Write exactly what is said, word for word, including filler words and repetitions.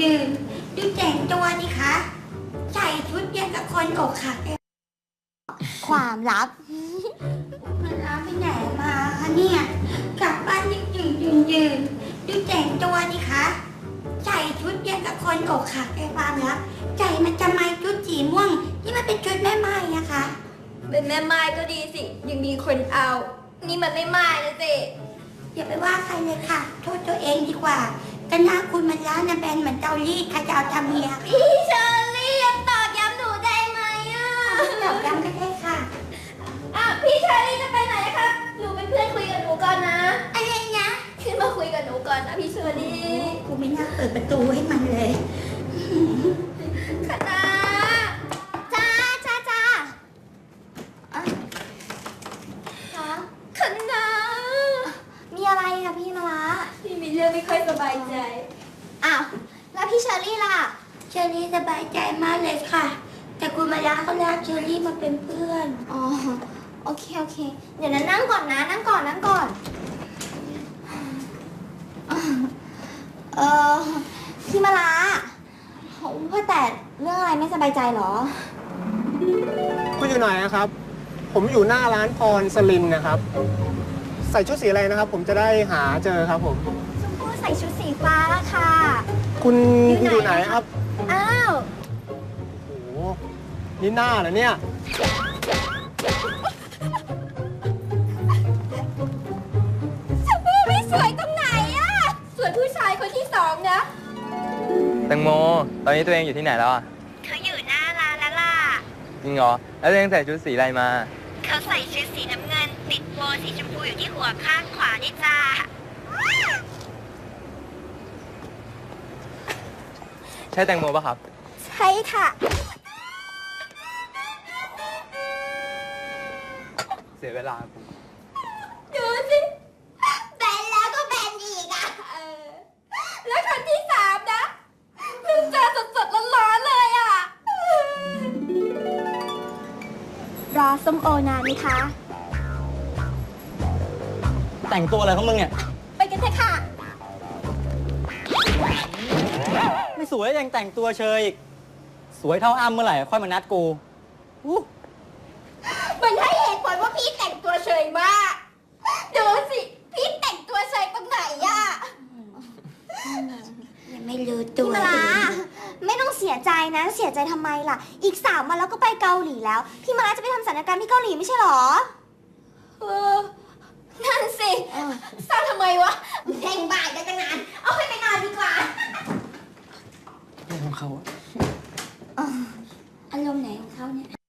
ยืนดูแต่งตัวดิคะใส่ชุดยังกับคนอกหักเลยความลับมันรับไปไหนมาคะเนี่ยกลับบ้านยืนยืนยืนยืนดูแต่งตัวดิคะใส่ชุดยังกับคนอกหักเลยความลับใจมันจะไม่ชุดสีม่วงที่มันเป็นชุดแม่ไม้อะคะเป็นแม่ไม้ก็ดีสิยังมีคนเอานี่มันไม่ไม้นะสิอย่าไปว่าใครเลยค่ะโทษตัวเองดีกว่าแต่หน้าคุณมันล้านะแบนเหมือนเตารีดใครจะเอาทำเมียพี่เชอรี่ยังตอบย้ำหนูได้ไหมอ่ะตอบย้ำก็ได้ค่ะอ่ะพี่เชอรี่จะไปไหนคะหนูเป็นเพื่อนคุยกับหนูก่อนนะอะไรนะขึ้นมาคุยกับหนูก่อนนะพี่เชอรี่กูไม่น่าเปิดประตูให้มันเลยคณะจ้าจ้าจ้าคะคณะมีอะไรคะพี่มาละพี่มีเรื่องไม่ค่อยสบายใจอ้าวแล้วพี่เชอรี่ล่ะเชอรี่สบายใจมากเลยค่ะแต่คุณมาลาเขาลากเชอรี่มาเป็นเพื่อนอ๋อโอเคโอเคเดี๋ยวนั้นนั่งก่อนนะนั่งก่อนนั่งก่อนเออพี่มาละว่าแต่เรื่องอะไรไม่สบายใจหรอคุณอยู่ไหนนะครับผมอยู่หน้าร้านพรสลินนะครับใส่ชุดสีอะไรนะครับผมจะได้หาเจอครับผมชมพู่ใส่ชุดสีฟ้าค่ะคุณอยู่ไหนครับอ้าวโอ้โหนี่หน้าเหรอเนี่ยชมพู่ไม่สวยตรงไหนอะสวยผู้ชายคนที่สองนะแตงโมตอนนี้ตัวเองอยู่ที่ไหนแล้วอ่ะเขาอยู่หน้าร้านแล้วล่ะจริงเหรอแล้วตัวเองใส่ชุดสีอะไรมาเขาใส่ชุดสีน้ำเงินติดโบสีชมพูอยู่ที่หัวข้างขวานี่จ้าใช่แตงโมป่ะครับใช่ค่ะเสียเวลาดูสิแบนแล้วก็แบนอีกอ่ะเออแล้วคนที่สามนะเพิ่งเจอสดๆร้อนๆเลยอ่ะรอส้มโอนานไหมคะแต่งตัวอะไรของมึงเนี่ยไปกันเถอะค่ะไม่สวยยังแต่งตัวเชยอีกสวยเท่าอ้ำเมื่อไหร่ค่อยมานัดกูมันให้เหตุผลว่าพี่แต่งตัวเฉยมากดูสิพี่แต่งตัวเฉยตรงไหนอ่ะยังไม่รู้ตัวพี่มาลาไม่ต้องเสียใจนะเสียใจทำไมล่ะอีกสามวันแล้วก็ไปเกาหลีแล้วพี่มาลาจะไปทำศัลยกรรมที่เกาหลีไม่ใช่หรอเออนั่นสิสร้างทำไมวะเพ่งบ่ายกันตั้งนานเอาไปไปนอนดีกว่าเรื่องของเขาอารมณ์ไหนของเขาเนี่ย